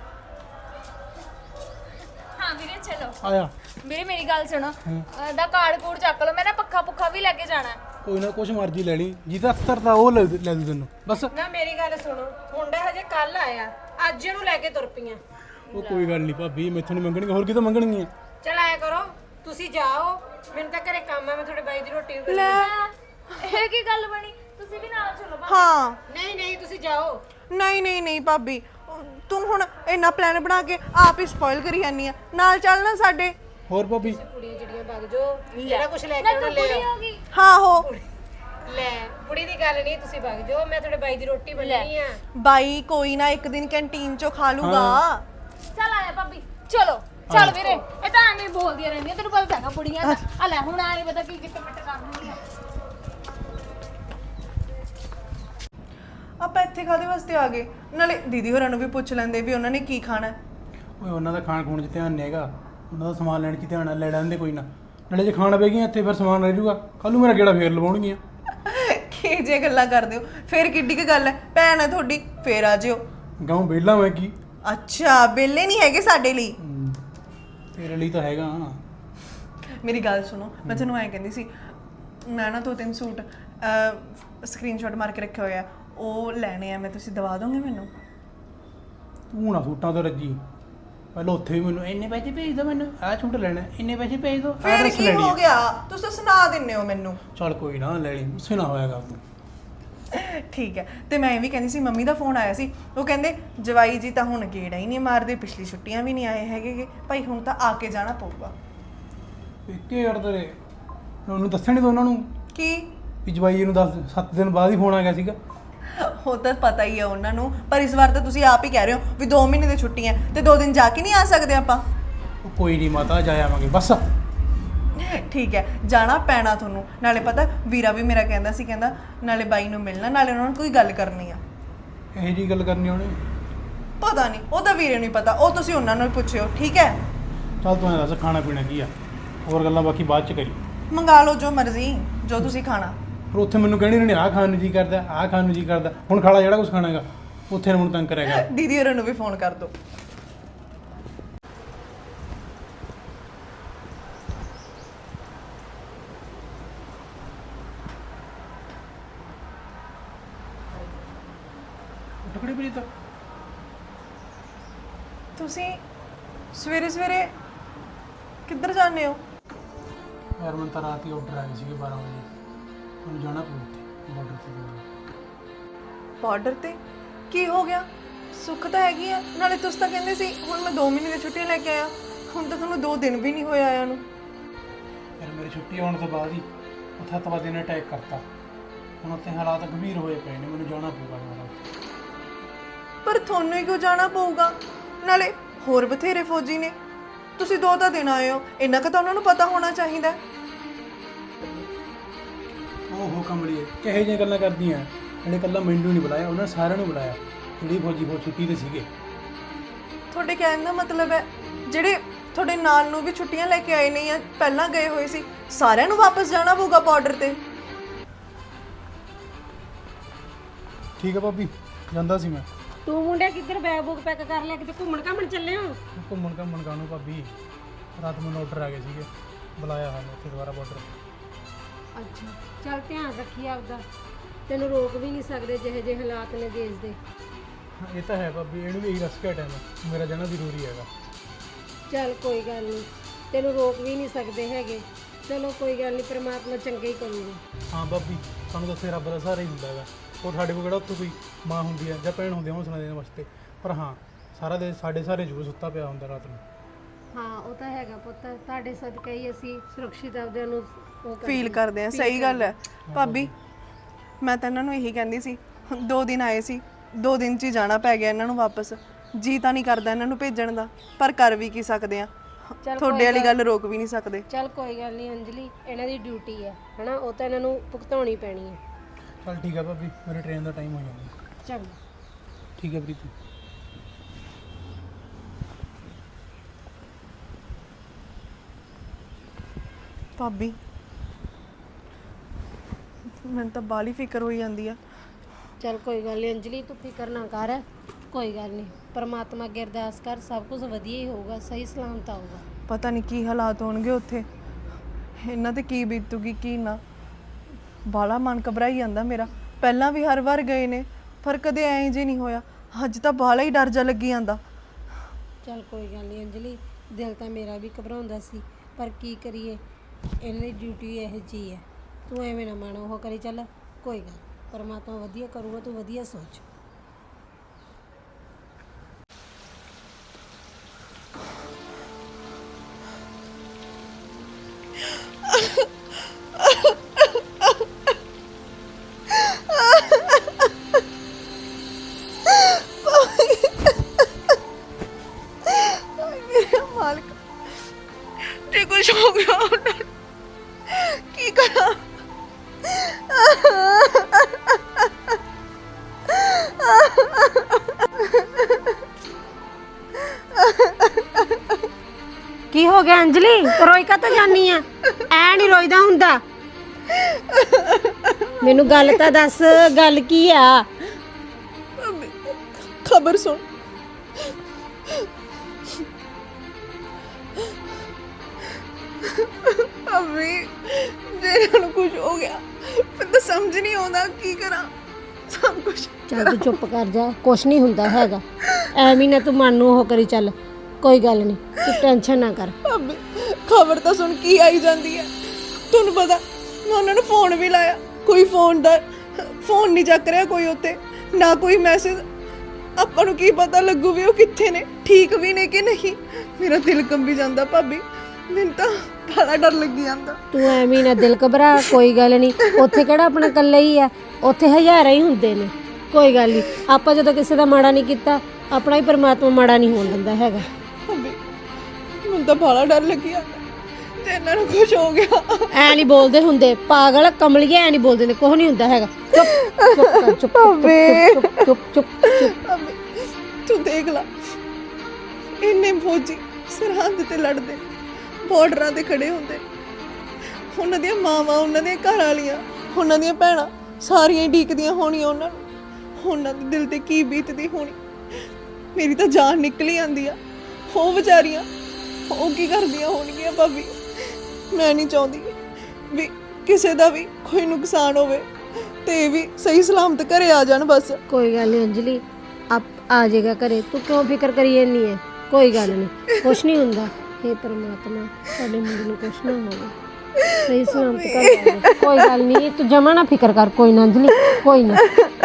[SPEAKER 3] ਹਾਂ ਵੀਰੇ ਚਲੋ।
[SPEAKER 4] ਆਇਆ
[SPEAKER 3] ਵੀਰੇ ਮੇਰੀ ਗੱਲ ਸੁਣੋ, ਦਾ ਕਾਰਡ ਕੂੜ ਚੱਕ ਲਓ, ਮੈਂ ਨਾ ਪੱਖਾ ਵੀ ਲੈ ਕੇ ਜਾਣਾ।
[SPEAKER 4] ਕੋਈ ਨਾ, ਕੁਛ ਮਰਜ਼ੀ ਲੈ ਲਈ, ਜਿਹਦਾ ਅਖਤਰ ਤਾਂ ਉਹ ਲੈ ਦੂ ਤੈਨੂੰ ਬਸ।
[SPEAKER 2] ਨਾ ਮੇਰੀ ਗੱਲ ਸੁਣੋ, ਮੁੰਡਾ ਹਜੇ ਕੱਲ ਆਇਆ, ਅੱਜ ਇਹਨੂੰ ਲੈ ਕੇ ਤੁਰ ਪਈਆਂ।
[SPEAKER 4] ਉਹ ਕੋਈ ਗੱਲ ਨਹੀਂ ਭਾਬੀ, ਮੈਥੋਂ ਨਹੀਂ ਮੰਗਣਗੇ, ਹੋਰ ਕਿਤੋਂ ਮੰਗਣਗੀਆਂ?
[SPEAKER 2] ਚਲ ਆਇਆ ਕਰੋ, ਤੁਸੀਂ ਜਾਓ, ਮੈਨੂੰ ਤਾਂ ਘਰੇ ਕੰਮ ਹੈ, ਮੈਂ ਤੁਹਾਡੇ ਬਾਈ ਦੀ ਰੋਟੀ ਵੀ
[SPEAKER 1] ਲੈ
[SPEAKER 3] ਇਹ ਕੀ ਗੱਲ ਬਣੀ, ਤੁਸੀਂ ਵੀ ਨਾਲ ਚਲੋ।
[SPEAKER 1] ਹਾਂ
[SPEAKER 2] ਨਹੀਂ ਤੁਸੀਂ ਜਾਓ।
[SPEAKER 1] ਨਹੀਂ ਭਾਬੀ, ਤੂੰ ਹੁਣ ਇੰਨਾ ਪਲਾਨ ਬਣਾ ਕੇ ਆਪ ਹੀ ਸਪੋਇਲ ਕਰੀ ਜਾਂਦੀ ਆ, ਨਾਲ ਚੱਲ ਨਾ ਸਾਡੇ।
[SPEAKER 4] ਹੋਰ ਭਾਬੀ
[SPEAKER 2] ਕੁੜੀਆਂ ਜਿਹੜੀਆਂ ਵਗ ਜਾਓ, ਜਿਹੜਾ ਕੁਝ ਲੈ ਕੇ ਆਉਣਾ ਲੈ ਆਓ।
[SPEAKER 1] ਹਾਂ ਹੋ
[SPEAKER 2] ਲੈ ਕੁੜੀ ਦੀ ਗੱਲ ਨਹੀਂ, ਤੁਸੀਂ ਵਗ ਜਾਓ, ਮੈਂ ਤੁਹਾਡੇ ਬਾਈ ਦੀ ਰੋਟੀ ਬਣਾਉਣੀ ਆ।
[SPEAKER 1] ਬਾਈ ਕੋਈ ਨਾ, ਇੱਕ ਦਿਨ ਕੈਂਟੀਨ ਚੋਂ ਖਾ ਲੂਗਾ।
[SPEAKER 3] ਚੱਲ ਆਇਆ ਭਾਬੀ, ਚਲੋ ਚੱਲ ਵੀਰੇ, ਇਹ ਤਾਂ ਐਵੇਂ ਬੋਲਦੀਆਂ ਰਹਿੰਦੀਆਂ, ਤੈਨੂੰ ਪਤਾ ਹੈਗਾ ਬੁੜੀਆਂ ਦਾ। ਆ ਲੈ ਹੁਣ ਆ ਨਹੀਂ ਪਤਾ ਕੀ ਕਿੱਟ ਮਿੱਟ ਕਰ ਦਿੰਦੀ ਆ।
[SPEAKER 1] ਆਪਾਂ ਇੱਥੇ ਕਾਹਦੇ ਵਾਸਤੇ ਆ ਗਏ? ਨਾਲੇ ਦੀਦੀ ਹੋਰਾਂ ਨੂੰ ਵੀ ਪੁੱਛ ਲੈਂਦੇ ਵੀ ਉਹਨਾਂ ਨੇ ਕੀ ਖਾਣਾ ਹੈ।
[SPEAKER 4] ਓਏ ਉਹਨਾਂ ਦਾ ਖਾਣ ਖੂਣ 'ਚ ਧਿਆਨ ਨਹੀਂ ਹੈਗਾ, ਉਹਨਾਂ ਦਾ ਸਮਾਨ ਲੈਣ 'ਚ ਧਿਆਨ ਲੈ ਲੈਂਦੇ ਕੋਈ ਨਾ। ਨਾਲੇ ਜੇ ਖਾਣ ਪਏਗੀਆਂ ਇੱਥੇ ਫਿਰ ਸਮਾਨ ਰਹਿ ਜੂਗਾ, ਕੱਲ੍ਹ ਨੂੰ ਮੇਰਾ ਗੇੜਾ ਫੇਰ ਲਵਾਉਣਗੀਆਂ।
[SPEAKER 1] ਕੀ ਜੇ ਗੱਲਾਂ ਕਰਦੇ ਹੋ, ਫੇਰ ਕਿੱਡੀ ਕੁ ਗੱਲ ਹੈ, ਭੈਣ ਹੈ ਤੁਹਾਡੀ, ਫੇਰ ਆ ਜਿਓ।
[SPEAKER 4] ਗਾਉਂ ਵਿਹਲਾ ਮੈਂ ਕੀ?
[SPEAKER 1] ਅੱਛਾ ਬੇਲੇ ਨਹੀਂ ਹੈਗੇ ਸਾਡੇ ਲਈ।
[SPEAKER 4] ਤੇਰੇ ਲਈ ਤਾਂ ਹੈਗਾ।
[SPEAKER 1] ਮੇਰੀ ਗੱਲ ਸੁਣੋ, ਮੈਂ ਤੁਹਾਨੂੰ ਐਂ ਕਹਿੰਦੀ ਸੀ, ਮੈਂ ਨਾ 2-3 ਸੂਟ ਸਕਰੀਨਸ਼ਾਟ ਮਾਰ ਕੇ ਰੱਖੇ ਹੋਏ ਆ, ਉਹ ਲੈਣੇ ਆ ਮੈਂ, ਤੁਸੀਂ ਦਵਾ ਦੋਗੇ ਮੈਨੂੰ?
[SPEAKER 4] ਤੂੰ ਨਾ ਸੂਟਾਂ ਤੋਂ ਰੱਜੀ, ਪਹਿਲਾਂ ਉੱਥੇ ਵੀ ਮੈਨੂੰ ਇੰਨੇ ਪੈਸੇ ਭੇਜ ਦਿਓ, ਮੈਨੂੰ ਆਹ ਸੂਟ ਲੈਣਾ, ਇੰਨੇ ਪੈਸੇ ਭੇਜ ਦਿਓ,
[SPEAKER 1] ਫੇਰ
[SPEAKER 4] ਐਡਰੈਸ
[SPEAKER 1] ਕੀ
[SPEAKER 4] ਲੈਣੀ
[SPEAKER 1] ਹੋ
[SPEAKER 4] ਆ।
[SPEAKER 1] ਗਿਆ, ਤੁਸੀਂ ਤਾਂ ਸੁਣਾ ਦਿੰਦੇ ਹੋ ਮੈਨੂੰ।
[SPEAKER 4] ਚੱਲ ਕੋਈ ਨਾ, ਲੈ ਲਈ, ਗੁੱਸੇ ਨਾ ਹੋਇਆ ਕਰ ਤੂੰ।
[SPEAKER 1] ਠੀਕ ਹੈ, ਤੇ ਮੈਂ ਇਹ ਵੀ ਕਹਿੰਦੀ ਸੀ, ਮੰਮੀ ਦਾ ਫੋਨ ਆਇਆ ਸੀ, ਉਹ ਕਹਿੰਦੇ ਜਵਾਈ ਜੀ ਤਾਂ ਹੁਣ ਗੇੜਾ ਹੀ ਨਹੀਂ ਮਾਰਦੇ, ਪਿਛਲੀ ਛੁੱਟੀਆਂ ਵੀ ਨਹੀਂ ਆਏ ਹੈਗੇ ਭਾਈ, ਹੁਣ ਤਾਂ ਆ ਕੇ ਜਾਣਾ ਪਊਗਾ।
[SPEAKER 4] ਪੇਕੇ ਯਾਰ ਤੇਰੇ ਉਹਨੂੰ ਦੱਸਿਆ ਨਹੀਂ, ਉਹਨਾਂ ਨੂੰ
[SPEAKER 1] ਕੀ?
[SPEAKER 4] ਵੀ ਜਵਾਈ ਨੂੰ 7 ਦਿਨ ਬਾਅਦ ਹੀ ਫੋਨ ਆ ਗਿਆ ਸੀਗਾ।
[SPEAKER 1] ਉਹ ਤਾਂ ਪਤਾ ਹੀ ਹੈ ਉਹਨਾਂ ਨੂੰ, ਪਰ ਇਸ ਵਾਰ ਤਾਂ ਤੁਸੀਂ ਆਪ ਹੀ ਕਹਿ ਰਹੇ ਹੋ ਵੀ 2 ਮਹੀਨੇ ਦੀ ਛੁੱਟੀਆਂ ਤੇ 2 ਦਿਨ ਜਾ ਕੇ ਨਹੀਂ ਆ ਸਕਦੇ ਆਪਾਂ।
[SPEAKER 4] ਉਹ ਕੋਈ ਨਹੀਂ ਮਾਤਾ, ਜਾ ਆਵਾਂਗੇ ਬਸ।
[SPEAKER 1] ਠੀਕ ਹੈ, ਜਾਣਾ ਪੈਣਾ ਤੁਹਾਨੂੰ। ਨਾਲੇ ਪਤਾ ਵੀਰਾ ਵੀ ਮੇਰਾ ਕਹਿੰਦਾ ਸੀ, ਕਹਿੰਦਾ ਨਾਲੇ ਬਾਈ ਨੂੰ ਮਿਲਣਾ, ਨਾਲੇ ਉਹਨਾਂ ਨੂੰ ਕੋਈ ਗੱਲ ਕਰਨੀ ਆ।
[SPEAKER 4] ਇਹੋ ਜਿਹੀ ਗੱਲ ਕਰਨੀ ਉਹਨੇ?
[SPEAKER 1] ਪਤਾ ਨਹੀਂ, ਉਹ ਤਾਂ ਵੀਰੇ ਨੂੰ ਹੀ ਪਤਾ, ਉਹ ਤੁਸੀਂ ਉਹਨਾਂ ਨੂੰ ਹੀ ਪੁੱਛਿਓ। ਠੀਕ ਹੈ
[SPEAKER 4] ਚੱਲ ਤੂੰ ਐਂ ਦੱਸ, ਖਾਣਾ ਪੀਣਾ ਕੀ ਆ? ਹੋਰ ਗੱਲਾਂ ਬਾਕੀ ਬਾਅਦ ਚ ਕਰੀ।
[SPEAKER 1] ਮੰਗਾ ਲਓ ਜੋ ਮਰਜ਼ੀ, ਜੋ ਤੁਸੀਂ ਖਾਣਾ।
[SPEAKER 4] ਫਿਰ ਉੱਥੇ ਮੈਨੂੰ ਕਹਿਣੀ ਨਹੀਂ, ਆਹ ਖਾਣ ਨੂੰ ਜੀ ਕਰਦਾ, ਆਹ ਖਾਣ ਨੂੰ ਜੀ ਕਰਦਾ, ਹੁਣ ਖਾਲਾ ਜਿਹੜਾ ਕੁਛ ਖਾਣਾ ਹੈਗਾ ਉੱਥੇ ਨਾ ਮੈਨੂੰ ਤੰਗ ਕਰਿਆ ਕਰ।
[SPEAKER 1] ਦੀਦੀ ਹੋਰਾਂ ਨੂੰ ਵੀ ਫੋਨ ਕਰ ਦਿਓ।
[SPEAKER 4] ਟੁਕੜੀ ਵੀ ਤਾਂ
[SPEAKER 1] ਤੁਸੀਂ ਸਵੇਰੇ ਸਵੇਰੇ ਕਿੱਧਰ ਜਾਂਦੇ ਹੋ?
[SPEAKER 4] ਯਾਰ ਮੈਨੂੰ ਤਾਂ ਰਾਤ ਹੀ ਆਰਡਰ ਆ ਗਏ ਸੀਗੇ 12 ਵਜੇ, ਮੈਨੂੰ ਜਾਣਾ ਪਊ ਉੱਥੇ ਬਾਰਡਰ ਤੇ ਜਾਣਾ।
[SPEAKER 1] ਬਾਰਡਰ ਤੇ ਕੀ ਹੋ ਗਿਆ? ਸੁੱਖ ਤਾਂ ਹੈਗੀ ਆ, ਨਾਲੇ ਤੁਸੀਂ ਤਾਂ ਕਹਿੰਦੇ ਸੀ ਹੁਣ ਮੈਂ 2 ਮਹੀਨੇ ਦੀ ਛੁੱਟੀਆਂ ਲੈ ਕੇ ਆਇਆ, ਹੁਣ ਤਾਂ ਤੁਹਾਨੂੰ 2 ਦਿਨ ਵੀ ਨਹੀਂ ਹੋਏ ਆਇਆ ਨੂੰ।
[SPEAKER 4] ਫਿਰ ਮੇਰੀ ਛੁੱਟੀ ਆਉਣ ਤੋਂ ਬਾਅਦ ਹੀ ਉੱਥੇ ਅੱਤਵਾਦੀ ਨੇ ਅਟੈਕ ਕਰਤਾ। ਹੁਣ ਉੱਥੇ ਹਾਲਾਤ ਗੰਭੀਰ ਹੋਏ ਪਏ ਨੇ, ਮੈਨੂੰ ਜਾਣਾ ਪਊਗਾ ਦੁਬਾਰਾ ਉੱਥੇ।
[SPEAKER 1] ਪਰ ਤੁਹਾਨੂੰ ਹੀ ਕਿਉਂ ਜਾਣਾ ਪਊਗਾ? ਨਾਲੇ ਹੋਰ ਬਥੇਰੇ ਫੌਜੀ ਨੇ, ਤੁਸੀਂ 2 ਤਾਂ ਦਿਨ ਆਏ ਹੋ, ਇੰਨਾ ਕੁ ਤਾਂ ਉਹਨਾਂ ਨੂੰ ਪਤਾ ਹੋਣਾ ਚਾਹੀਦਾ।
[SPEAKER 4] ਓਹੋ ਕਮਲੀਏ, ਕਿਹੋ ਜਿਹੀਆਂ ਗੱਲਾਂ ਕਰਦੀਆਂ? ਇਹਨੇ ਇਕੱਲਾ ਮੈਨੂੰ ਨਹੀਂ ਬੁਲਾਇਆ, ਉਹਨਾਂ ਸਾਰਿਆਂ ਨੂੰ ਬੁਲਾਇਆ ਜਿਹੜੀ ਫੌਜੀ ਛੁੱਟੀ ਤੇ ਸੀਗੇ।
[SPEAKER 1] ਤੁਹਾਡੇ ਕਹਿਣ ਦਾ ਮਤਲਬ ਹੈ ਜਿਹੜੇ ਤੁਹਾਡੇ ਨਾਲ ਨੂੰ ਵੀ ਛੁੱਟੀਆਂ ਲੈ ਕੇ ਆਏ ਨੇ ਜਾਂ ਪਹਿਲਾਂ ਗਏ ਹੋਏ ਸੀ, ਸਾਰਿਆਂ ਨੂੰ ਵਾਪਸ ਜਾਣਾ ਪਊਗਾ ਬਾਰਡਰ ਤੇ?
[SPEAKER 4] ਠੀਕ ਹੈ ਭਾਬੀ, ਜਾਂਦਾ ਸੀ ਮੈਂ।
[SPEAKER 2] ਤੂੰ ਮੁੰਡੇ ਕਿੱਧਰ ਬੈਗ ਬੁੱਕ ਪੈਕ ਕਰ ਲਿਆ, ਕਿਤੇ ਘੁੰਮਣ ਘਾਮਣ ਚੱਲੇ ਹੋ?
[SPEAKER 4] ਘੁੰਮਣ ਕਾਹਨੂੰ ਭਾਬੀ, ਰਾਤ ਮੈਨੂੰ ਆਰਡਰ ਆ ਗਏ ਸੀਗੇ, ਬੁਲਾਇਆ ਹਾਂ ਉੱਥੇ ਦੁਬਾਰਾ ਬਾਰਡਰ।
[SPEAKER 2] ਅੱਛਾ ਚੱਲ ਧਿਆਨ ਰੱਖੀ ਆਪਦਾ, ਤੈਨੂੰ ਰੋਕ ਵੀ ਨਹੀਂ ਸਕਦੇ ਜਿਹੇ ਜਿਹੇ ਹਾਲਾਤ ਨੇ ਦੇਸ਼ ਦੇ।
[SPEAKER 4] ਇਹ ਤਾਂ ਹੈ ਭਾਬੀ, ਇਹਨੂੰ ਵੀ ਇਹੀ ਰਸ ਕੇ ਟਾਈਮ ਮੇਰਾ ਜਾਣਾ ਜ਼ਰੂਰੀ ਹੈਗਾ।
[SPEAKER 2] ਚੱਲ ਕੋਈ ਗੱਲ ਨਹੀਂ, ਤੈਨੂੰ ਰੋਕ ਵੀ ਨਹੀਂ ਸਕਦੇ ਹੈਗੇ। ਚਲੋ ਕੋਈ ਗੱਲ ਨਹੀਂ, ਪ੍ਰਮਾਤਮਾ ਚੰਗਾ ਹੀ ਕਰੂਗਾ।
[SPEAKER 4] ਹਾਂ ਭਾਬੀ, ਸਾਨੂੰ ਦੱਸੇ ਰੱਬ ਦਾ ਸਹਾਰਾ ਹੀ ਹੁੰਦਾ ਹੈਗਾ। ਉਹ ਸਾਡੇ ਕੋਲ ਕਿਹੜਾ ਉੱਥੇ ਕੋਈ ਮਾਂ ਹੁੰਦੀ ਹੈ ਜਾਂ ਭੈਣ ਹੁੰਦੀ ਹੈ ਹੌਸਲਾ ਦੇਣ ਵਾਸਤੇ, ਪਰ ਹਾਂ ਸਾਰਾ ਦਿਨ ਸਾਡੇ ਸਾਰੇ ਜ਼ਰੂਰ ਸੁੱਤਾ ਪਿਆ ਹੁੰਦਾ ਰਾਤ ਨੂੰ।
[SPEAKER 2] ਹਾਂ ਉਹ ਤਾਂ ਹੈਗਾ ਪੁੱਤ, ਤੁਹਾਡੇ ਸਦਕਾ ਹੀ ਅਸੀਂ ਸੁਰੱਖਿਅਤ ਆਪਦਿਆਂ ਨੂੰ ਉਹ
[SPEAKER 1] ਫੀਲ ਕਰਦੇ ਆ। ਸਹੀ ਗੱਲ ਹੈ ਭਾਬੀ, ਮੈਂ ਤਾਂ ਇਹਨਾਂ ਨੂੰ ਇਹੀ ਕਹਿੰਦੀ ਸੀ, 2 ਦਿਨ ਆਏ ਸੀ, 2 ਦਿਨ 'ਚ ਹੀ ਜਾਣਾ ਪੈ ਗਿਆ ਇਹਨਾਂ ਨੂੰ ਵਾਪਸ। ਜੀ ਤਾਂ ਨਹੀਂ ਕਰਦਾ ਇਹਨਾਂ ਨੂੰ ਭੇਜਣ ਦਾ, ਪਰ ਕਰ ਵੀ ਕੀ ਸਕਦੇ ਆ, ਤੁਹਾਡੇ ਵਾਲੀ ਗੱਲ ਰੋਕ ਵੀ ਨਹੀਂ ਸਕਦੇ।
[SPEAKER 2] ਚੱਲ ਕੋਈ ਗੱਲ ਨਹੀਂ ਅੰਜਲੀ, ਇਹਨਾਂ ਦੀ ਡਿਊਟੀ ਹੈ ਹਨਾ, ਉਹ ਤਾਂ ਇਹਨਾਂ ਨੂੰ ਭੁਗਤਾਉਣੀ ਪੈਣੀ ਹੈ।
[SPEAKER 4] ਚੱਲ ਠੀਕ ਹੈ ਭਾਬੀ, ਮੇਰੀ ਟ੍ਰੇਨ ਦਾ ਟਾਈਮ ਹੋ ਜਾਂਦਾ।
[SPEAKER 2] ਚੰਗਾ
[SPEAKER 4] ਠੀਕ ਹੈ ਪ੍ਰੀਤੀ।
[SPEAKER 1] ਭਾਬੀ ਮੈਨੂੰ ਤਾਂ ਬਾਲੀ ਫਿਕਰ ਹੋਈ ਜਾਂਦੀ ਆ।
[SPEAKER 2] ਚੱਲ ਕੋਈ ਗੱਲ ਨਹੀਂ ਅੰਜਲੀ, ਤੂੰ ਫਿਕਰ ਨਾ ਕਰ, ਕੋਈ ਗੱਲ ਨਹੀਂ, ਪਰਮਾਤਮਾ ਅੱਗੇ ਅਰਦਾਸ ਕਰ, ਸਭ ਕੁਝ ਵਧੀਆ ਹੀ ਹੋਊਗਾ, ਸਹੀ ਸਲਾਮਤ ਆਊਗਾ।
[SPEAKER 1] ਪਤਾ ਨਹੀਂ ਕੀ ਹਾਲਾਤ ਹੋਣਗੇ ਉੱਥੇ, ਇਹਨਾਂ ਤੇ ਕੀ ਬੀਤੂਗੀ ਕੀ ਨਾ। ਬਾਲਾ ਮਨ ਘਬਰਾਈ ਜਾਂਦਾ ਮੇਰਾ। ਪਹਿਲਾਂ ਵੀ ਹਰ ਵਾਰ ਗਏ ਨੇ, ਪਰ ਕਦੇ ਐਂ ਜੇ ਨਹੀਂ ਹੋਇਆ। ਅੱਜ ਤਾਂ ਬਾਲਾ ਹੀ ਡਰ ਜਾ ਲੱਗੀ ਜਾਂਦਾ।
[SPEAKER 2] ਚੱਲ ਕੋਈ ਗੱਲ ਨਹੀਂ ਅੰਜਲੀ, ਦਿਲ ਤਾਂ ਮੇਰਾ ਵੀ ਘਬਰਾਉਂਦਾ ਸੀ, ਪਰ ਕੀ ਕਰੀਏ, ਇਹਨਾਂ ਦੀ ਡਿਊਟੀ ਇਹੋ ਜਿਹੀ ਹੈ। ਤੂੰ ਐਵੇਂ ਨਾ ਮਨ ਉਹ ਕਰੀ, ਚੱਲ ਕੋਈ ਗੱਲ, ਪਰਮਾਤਮਾ ਵਧੀਆ ਕਰੂਗਾ, ਤੂੰ ਵਧੀਆ ਸੋਚ।
[SPEAKER 1] ਮੇਰੇ ਮਾਲਕ, ਜੇ ਕੁਝ ਹੋ ਗਿਆ ਉਹਨਾਂ ਨੂੰ ਕੀ ਕਰਾਂ?
[SPEAKER 2] ਕੀ ਹੋ ਗਿਆ ਅੰਜਲੀ, ਰੋਈ ਕਾ ਤਾਂ ਜਾਨੀ ਆ? ਐ ਨਹੀਂ ਰੋਈਦਾ ਹੁੰਦਾ। ਮੈਨੂੰ ਗੱਲ ਤਾਂ ਦੱਸ, ਗੱਲ ਕੀ ਆ?
[SPEAKER 1] ਖਬਰ ਸੁਣ, ਅਬੇ ਜੇ ਇਹਨਾਂ ਨੂੰ ਕੁਝ ਹੋ ਗਿਆ, ਮੈਨੂੰ ਤਾਂ ਸਮਝ ਨਹੀਂ ਆਉਂਦਾ ਕੀ ਕਰਾਂ। ਸਭ ਕੁਝ
[SPEAKER 2] ਚੱਲ ਤੂੰ ਚੁੱਪ ਕਰ ਜਾ, ਕੁਛ ਨਹੀਂ ਹੁੰਦਾ ਹੈਗਾ, ਐਵੇਂ ਨਾ ਤੂੰ ਮਨ ਨੂੰ ਉਹ ਕਰੀ, ਚੱਲ ਕੋਈ ਗੱਲ ਨਹੀਂ, ਤੂੰ ਟੈਨਸ਼ਨ ਨਾ ਕਰ।
[SPEAKER 1] ਅਬੇ ਖਬਰ ਤਾਂ ਸੁਣ ਕੀ ਆਈ ਜਾਂਦੀ ਹੈ। ਤੁਹਾਨੂੰ ਪਤਾ ਮੈਂ ਉਹਨਾਂ ਨੂੰ ਫੋਨ ਵੀ ਲਾਇਆ, ਕੋਈ ਫੋਨ ਨਹੀਂ ਚੱਕ ਰਿਹਾ ਕੋਈ ਉੱਤੇ, ਨਾ ਕੋਈ ਮੈਸੇਜ। ਆਪਾਂ ਨੂੰ ਕੀ ਪਤਾ ਲੱਗੂ ਵੀ ਉਹ ਕਿੱਥੇ ਨੇ, ਠੀਕ ਵੀ ਨੇ ਕਿ ਨਹੀਂ। ਮੇਰਾ ਦਿਲ ਕੰਬੀ ਜਾਂਦਾ ਭਾਬੀ, ਮੈਨੂੰ ਤਾਂ ਬੜਾ ਡਰ ਲੱਗੀ ਜਾਂਦਾ।
[SPEAKER 2] ਤੂੰ ਐਵੇਂ ਨਾ ਦਿਲ ਘਬਰਾ, ਕੋਈ ਗੱਲ ਨਹੀਂ, ਉੱਥੇ ਕਿਹੜਾ ਆਪਣਾ ਇਕੱਲਾ ਹੀ ਆ, ਉੱਥੇ ਹਜ਼ਾਰਾਂ ਹੀ ਹੁੰਦੇ ਨੇ, ਕੋਈ ਗੱਲ ਨਹੀਂ। ਆਪਾਂ ਜਦੋਂ ਕਿਸੇ ਦਾ ਮਾੜਾ ਨਹੀਂ ਕੀਤਾ, ਆਪਣਾ ਹੀ ਪਰਮਾਤਮਾ ਮਾੜਾ ਨਹੀਂ ਹੋਣ ਦਿੰਦਾ ਹੈਗਾ।
[SPEAKER 1] ਭਾਬੀ ਮੈਨੂੰ ਤਾਂ ਬੜਾ ਡਰ ਲੱਗੀ ਜਾਂਦਾ, ਤੇ ਇਹਨਾਂ ਨੂੰ ਕੁਝ ਹੋ ਗਿਆ।
[SPEAKER 2] ਐ ਨਹੀਂ ਬੋਲਦੇ ਹੁੰਦੇ, ਪਾਗਲ ਕਮਲੀਏ, ਐ ਨਹੀਂ ਬੋਲਦੇ ਨੇ, ਕੁਛ ਨਹੀਂ ਹੁੰਦਾ ਹੈਗਾ। ਚੁੱਪ ਚੁੱਪ ਕਰ, ਚੁੱਪ ਚੁੱਪ ਚੁੱਪ ਚੁੱਪ ਚੁੱਪ।
[SPEAKER 1] ਭਾਬੀ ਤੂੰ ਦੇਖ ਲਾ, ਇੰਨੇ ਫੌਜੀ ਸਰਹੱਦ ਤੇ ਲੜਦੇ, ਬਾਰਡਰਾਂ ਤੇ ਖੜੇ ਹੁੰਦੇ, ਉਹਨਾਂ ਦੀਆਂ ਮਾਵਾਂ, ਉਹਨਾਂ ਦੀਆਂ ਘਰ ਵਾਲੀਆਂ, ਉਹਨਾਂ ਦੀਆਂ ਭੈਣਾਂ ਸਾਰੀਆਂ ਢੀਕਦੀਆਂ ਹੋਣੀਆਂ ਉਹਨਾਂ ਨੂੰ। ਉਹਨਾਂ ਦੇ ਦਿਲ ਤੇ ਕੀ ਬੀਤਦੀ ਹੋਣੀ। ਮੇਰੀ ਤਾਂ ਜਾਨ ਨਿਕਲੀ ਆਂਦੀ ਆ। ਉਹ ਵਿਚਾਰੀਆਂ ਉਹ ਕੀ ਕਰਦੀਆਂ ਹੋਣਗੀਆਂ ਭਾਬੀ। ਮੈਂ ਨਹੀਂ ਚਾਹੁੰਦੀ ਵੀ ਕਿਸੇ ਦਾ ਵੀ ਕੋਈ ਨੁਕਸਾਨ ਹੋਵੇ ਤੇ ਇਹ ਵੀ ਸਹੀ ਸਲਾਮਤ ਘਰੇ ਆ ਜਾਣ ਬਸ।
[SPEAKER 2] ਕੋਈ ਗੱਲ ਨਹੀਂ ਅੰਜਲੀ, ਆ ਜਾਏਗਾ ਘਰੇ। ਤੂੰ ਕਿਉਂ ਫਿਕਰ ਕਰੀ ਜਾਂਦੀ ਹੈ? ਕੋਈ ਗੱਲ ਨਹੀਂ, ਕੁਛ ਨਹੀਂ ਹੁੰਦਾ। हे परमात्मा, ਸਾਡੇ ਮੁੰਡੇ ਨੂੰ ਕੁਛ ਨਾ ਹੋਵੇ, ਸਹੀ ਸਲਾਮਤ ਘਰ ਆ ਜਾਏ। ਕੋਈ ਗੱਲ ਨਹੀਂ, ਤੂੰ ਜਮਾ ਨਾ ਫਿਕਰ ਕਰ। ਕੋਈ ਨਾ ਅੰਜਲੀ, ਕੋਈ ਨਾ।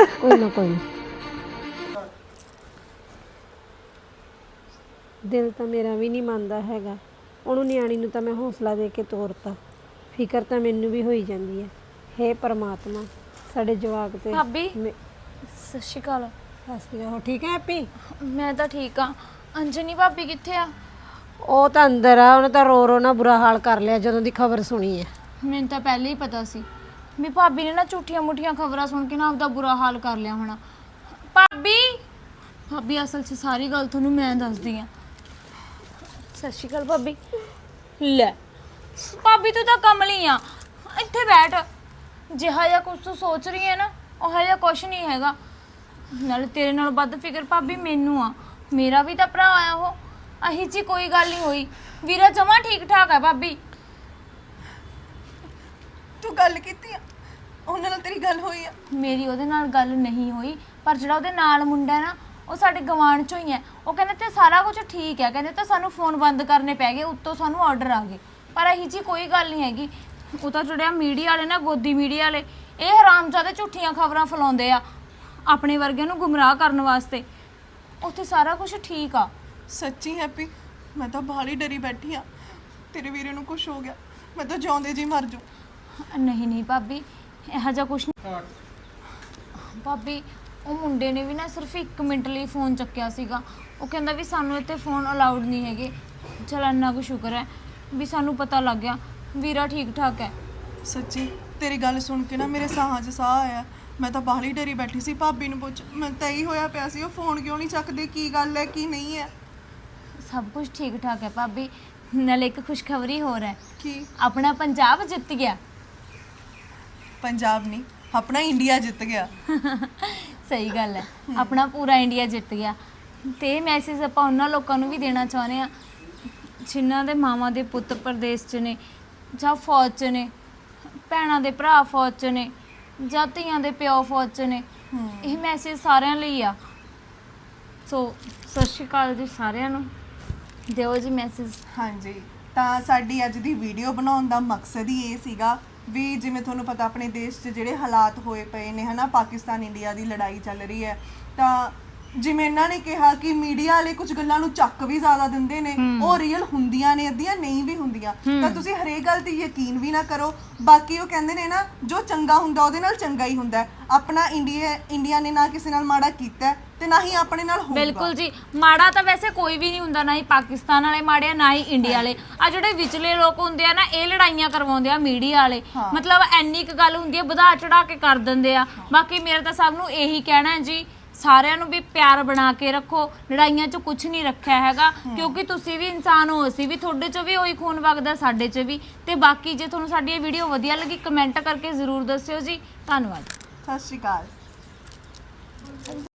[SPEAKER 2] ਦਿਲ ਤਾਂ ਮੇਰਾ ਵੀ ਨਹੀਂ ਮੰਨਦਾ ਹੈਗਾ। ਉਹਨੂੰ ਨਿਆਣੀ ਨੂੰ ਤਾਂ ਮੈਂ ਹੌਸਲਾ ਦੇ ਕੇ ਤੋਰਤਾ। ਫਿਕਰ ਤਾਂ ਮੈਨੂੰ ਵੀ ਹੋਈ ਜਾਂਦੀ ਹੈ। हे परमात्मा, ਸਾਡੇ ਜਵਾਕ ਤੇ
[SPEAKER 3] ਭਾਬੀ ਸਤਿ ਸ਼੍ਰੀ ਅਕਾਲ।
[SPEAKER 2] ਹੋ ਠੀਕ ਹੈ ਹੈਪੀ?
[SPEAKER 3] ਮੈਂ ਤਾਂ ਠੀਕ ਆ। ਅੰਜਨੀ ਭਾਬੀ ਕਿੱਥੇ ਆ?
[SPEAKER 2] ਉਹ ਤਾਂ ਅੰਦਰ ਆ। ਉਹਨੇ ਤਾਂ ਰੋ ਰੋ ਨਾ ਬੁਰਾ ਹਾਲ ਕਰ ਲਿਆ ਜਦੋਂ ਦੀ ਖਬਰ ਸੁਣੀ ਹੈ।
[SPEAKER 3] ਮੈਨੂੰ ਤਾਂ ਪਹਿਲਾਂ ਹੀ ਪਤਾ ਸੀ ਵੀ ਭਾਬੀ ਨੇ ਨਾ ਝੂਠੀਆਂ ਮੁੱਠੀਆਂ ਖਬਰਾਂ ਸੁਣ ਕੇ ਨਾ ਆਪਦਾ ਬੁਰਾ ਹਾਲ ਕਰ ਲਿਆ ਹੋਣਾ। ਭਾਬੀ ਅਸਲ 'ਚ ਸਾਰੀ ਗੱਲ ਤੁਹਾਨੂੰ ਮੈਂ ਦੱਸਦੀ ਆ। ਸਤਿ ਸ਼੍ਰੀ ਅਕਾਲ ਭਾਬੀ। ਲੈ ਭਾਬੀ ਤੂੰ ਤਾਂ ਕਮਲੀ ਆ। ਇੱਥੇ ਬੈਠ। ਜਿਹਾ ਜਿਹਾ ਕੁਝ ਤੂੰ ਸੋਚ ਰਹੀ ਹੈ ਨਾ, ਉਹ ਜਿਹਾ ਕੁਛ ਨਹੀਂ ਹੈਗਾ। ਨਾਲੇ ਤੇਰੇ ਨਾਲ ਵੱਧ ਫਿਕਰ ਭਾਬੀ ਮੈਨੂੰ ਆ। ਮੇਰਾ ਵੀ ਤਾਂ ਭਰਾ ਆ ਉਹ। ਅਹੀ ਜੀ ਕੋਈ ਗੱਲ ਨਹੀਂ ਹੋਈ। ਵੀਰਾ ਜਮਾ ਠੀਕ ਠਾਕ ਹੈ ਭਾਬੀ।
[SPEAKER 1] ਤੂੰ ਗੱਲ ਕੀਤੀ ਆ ਉਹਨਾਂ ਨਾਲ? ਤੇਰੀ ਗੱਲ ਹੋਈ ਆ?
[SPEAKER 3] ਮੇਰੀ ਉਹਦੇ ਨਾਲ ਗੱਲ ਨਹੀਂ ਹੋਈ, ਪਰ ਜਿਹੜਾ ਉਹਦੇ ਨਾਲ ਮੁੰਡਾ ਹੈ ਨਾ, ਉਹ ਸਾਡੇ ਗਵਾਂਢ ਚੋਂ ਹੀ ਹੈ। ਉਹ ਕਹਿੰਦੇ ਤੇ ਸਾਰਾ ਕੁਝ ਠੀਕ ਹੈ। ਕਹਿੰਦੇ ਤਾਂ ਸਾਨੂੰ ਫੋਨ ਬੰਦ ਕਰਨੇ ਪੈ ਗਏ, ਉੱਤੋਂ ਸਾਨੂੰ ਆਰਡਰ ਆ ਗਏ। ਪਰ ਇਹੀ ਜੀ ਕੋਈ ਗੱਲ ਨਹੀਂ ਹੈਗੀ। ਉਹ ਤਾਂ ਜਿਹੜਾ ਮੀਡੀਆ ਵਾਲੇ ਨਾ, ਗੋਦੀ ਮੀਡੀਆ ਵਾਲੇ, ਇਹ ਹਰਾਮਜ਼ਾਦੇ ਝੂਠੀਆਂ ਖਬਰਾਂ ਫੈਲਾਉਂਦੇ ਆ ਆਪਣੇ ਵਰਗਿਆਂ ਨੂੰ ਗੁੰਮਰਾਹ ਕਰਨ ਵਾਸਤੇ। ਉੱਥੇ ਸਾਰਾ ਕੁਝ ਠੀਕ ਆ।
[SPEAKER 1] ਸੱਚੀ ਹੈਪੀ, ਮੈਂ ਤਾਂ ਬਾਹਲੀ ਡਰੀ ਬੈਠੀ ਆ। ਤੇਰੇ ਵੀਰੇ ਨੂੰ ਕੁਝ ਹੋ ਗਿਆ, ਮੈਂ ਤਾਂ ਜਿਉਂਦੇ ਜੀ ਮਰ ਜੂ।
[SPEAKER 3] ਨਹੀਂ ਭਾਬੀ, ਇਹੋ ਜਿਹਾ ਕੁਝ ਨਹੀਂ। ਭਾਬੀ ਉਹ ਮੁੰਡੇ ਨੇ ਵੀ ਨਾ ਸਿਰਫ 1 ਮਿੰਟ ਲਈ ਫੋਨ ਚੱਕਿਆ ਸੀਗਾ। ਉਹ ਕਹਿੰਦਾ ਵੀ ਸਾਨੂੰ ਇੱਥੇ ਫੋਨ ਅਲਾਉਡ ਨਹੀਂ ਹੈਗੇ। ਚਲ ਇੰਨਾ ਕੁ ਸ਼ੁਕਰ ਹੈ ਵੀ ਸਾਨੂੰ ਪਤਾ ਲੱਗ ਗਿਆ ਵੀਰਾ ਠੀਕ ਠਾਕ ਹੈ।
[SPEAKER 1] ਸੱਚੀ ਤੇਰੀ ਗੱਲ ਸੁਣ ਕੇ ਨਾ ਮੇਰੇ ਸਾਹਾਂ 'ਚ ਸਾਹ ਆਇਆ। ਮੈਂ ਤਾਂ ਬਾਹਲੀ ਡਰੀ ਬੈਠੀ ਸੀ। ਭਾਬੀ ਨੂੰ ਪੁੱਛ, ਮੈਂ ਤਾਂ ਇਹੀ ਹੋਇਆ ਪਿਆ ਸੀ ਉਹ ਫੋਨ ਕਿਉਂ ਨਹੀਂ ਚੱਕਦੇ, ਕੀ ਗੱਲ ਹੈ ਕੀ ਨਹੀਂ ਹੈ।
[SPEAKER 3] ਸਭ ਕੁਝ ਠੀਕ ਠਾਕ ਹੈ ਭਾਬੀ। ਨਾਲੇ ਇੱਕ ਖੁਸ਼ਖਬਰੀ ਹੋਰ ਹੈ।
[SPEAKER 1] ਕੀ?
[SPEAKER 3] ਆਪਣਾ ਪੰਜਾਬ ਜਿੱਤ ਗਿਆ।
[SPEAKER 1] ਪੰਜਾਬ ਨਹੀਂ, ਆਪਣਾ ਇੰਡੀਆ ਜਿੱਤ ਗਿਆ।
[SPEAKER 3] ਸਹੀ ਗੱਲ ਹੈ, ਆਪਣਾ ਪੂਰਾ ਇੰਡੀਆ ਜਿੱਤ ਗਿਆ। ਤੇ ਇਹ ਮੈਸੇਜ ਆਪਾਂ ਉਹਨਾਂ ਲੋਕਾਂ ਨੂੰ ਵੀ ਦੇਣਾ ਚਾਹੁੰਦੇ ਆ ਜਿਨ੍ਹਾਂ ਦੇ ਮਾਵਾਂ ਦੇ ਪੁੱਤ ਪ੍ਰਦੇਸ਼ 'ਚ ਨੇ, ਜਾਂ ਫੌਜ 'ਚ ਨੇ, ਭੈਣਾਂ ਦੇ ਭਰਾ ਫੌਜ 'ਚ ਨੇ, ਜਾਂ ਧੀਆਂ ਦੇ ਪਿਓ ਫੌਜ 'ਚ ਨੇ। ਇਹ ਮੈਸੇਜ ਸਾਰਿਆਂ ਲਈ ਆ। ਸੋ ਸਤਿ ਸ਼੍ਰੀ ਅਕਾਲ ਜੀ ਸਾਰਿਆਂ ਨੂੰ। ਦਿਓ ਜੀ ਮੈਸੇਜ।
[SPEAKER 1] ਹਾਂਜੀ, ਤਾਂ ਸਾਡੀ ਅੱਜ ਦੀ ਵੀਡੀਓ ਬਣਾਉਣ ਦਾ ਮਕਸਦ ਹੀ ਇਹ ਸੀਗਾ ਵੀ ਜਿਵੇਂ ਤੁਹਾਨੂੰ ਪਤਾ ਆਪਣੇ ਦੇਸ਼ 'ਚ ਜਿਹੜੇ ਹਾਲਾਤ ਹੋਏ ਪਏ ਨੇ ਹਨਾ, ਪਾਕਿਸਤਾਨ ਇੰਡੀਆ ਦੀ ਲੜਾਈ ਚੱਲ ਰਹੀ ਹੈ। ਤਾਂ ਜਿਵੇਂ ਇਹਨਾਂ ਨੇ ਕਿਹਾ ਕਿ ਮੀਡੀਆ ਵਾਲੇ ਕੁਝ ਗੱਲਾਂ ਨੂੰ ਚੱਕ ਵੀ ਜ਼ਿਆਦਾ ਦਿੰਦੇ ਨੇ, ਉਹ ਰੀਅਲ ਹੁੰਦੀਆਂ ਨੇ, ਅੱਧੀਆਂ ਨਹੀਂ ਵੀ ਹੁੰਦੀਆਂ। ਤਾਂ ਤੁਸੀਂ ਹਰੇਕ ਗੱਲ ਤੇ ਯਕੀਨ ਵੀ ਨਾ ਕਰੋ। ਬਾਕੀ ਉਹ ਕਹਿੰਦੇ ਨੇ ਨਾ, ਜੋ ਚੰਗਾ ਹੁੰਦਾ ਉਹਦੇ ਨਾਲ ਚੰਗਾ ਹੀ ਹੁੰਦਾ। ਆਪਣਾ ਇੰਡੀਆ ਨੇ ਨਾ ਕਿਸੇ ਨਾਲ ਮਾੜਾ ਕੀਤਾ ਤੇ ਨਾ ਹੀ ਆਪਣੇ ਨਾਲ ਹੋਊਗਾ।
[SPEAKER 3] ਬਿਲਕੁਲ ਜੀ, ਮਾੜਾ ਤਾਂ ਵੈਸੇ ਕੋਈ ਵੀ ਨਹੀਂ ਹੁੰਦਾ, ਨਾ ਹੀ ਪਾਕਿਸਤਾਨ ਵਾਲੇ ਮਾੜੇ ਆ, ਨਾ ਹੀ ਇੰਡੀਆ ਵਾਲੇ। ਆ ਜਿਹੜੇ ਵਿਚਲੇ ਲੋਕ ਹੁੰਦੇ ਆ ਨਾ, ਇਹ ਲੜਾਈਆਂ ਕਰਵਾਉਂਦੇ ਆ ਮੀਡੀਆ ਵਾਲੇ। ਮਤਲਬ ਇੰਨੀ ਕੁ ਗੱਲ ਹੁੰਦੀ ਹੈ, ਵਧਾ ਚੜਾ ਕੇ ਕਰ ਦਿੰਦੇ ਆ। ਬਾਕੀ ਮੇਰਾ ਤਾਂ ਸਭ ਨੂੰ ਇਹੀ ਕਹਿਣਾ ਹੈ ਜੀ, ਸਾਰਿਆਂ ਨੂੰ ਵੀ ਪਿਆਰ ਬਣਾ ਕੇ ਰੱਖੋ। ਲੜਾਈਆਂ 'ਚ ਕੁਝ ਨਹੀਂ ਰੱਖਿਆ ਹੈਗਾ, ਕਿਉਂਕਿ ਤੁਸੀਂ ਵੀ ਇਨਸਾਨ ਹੋ, ਅਸੀਂ ਵੀ, ਤੁਹਾਡੇ 'ਚ ਵੀ ਉਹੀ ਖੂਨ ਵਗਦਾ, ਸਾਡੇ 'ਚ ਵੀ। ਤੇ ਬਾਕੀ ਜੇ ਤੁਹਾਨੂੰ ਸਾਡੀ ਇਹ ਵੀਡੀਓ ਵਧੀਆ ਲੱਗੀ, ਕਮੈਂਟ ਕਰਕੇ ਜ਼ਰੂਰ ਦੱਸਿਓ ਜੀ। ਧੰਨਵਾਦ।
[SPEAKER 1] ਸਤਿ ਸ਼੍ਰੀ ਅਕਾਲ।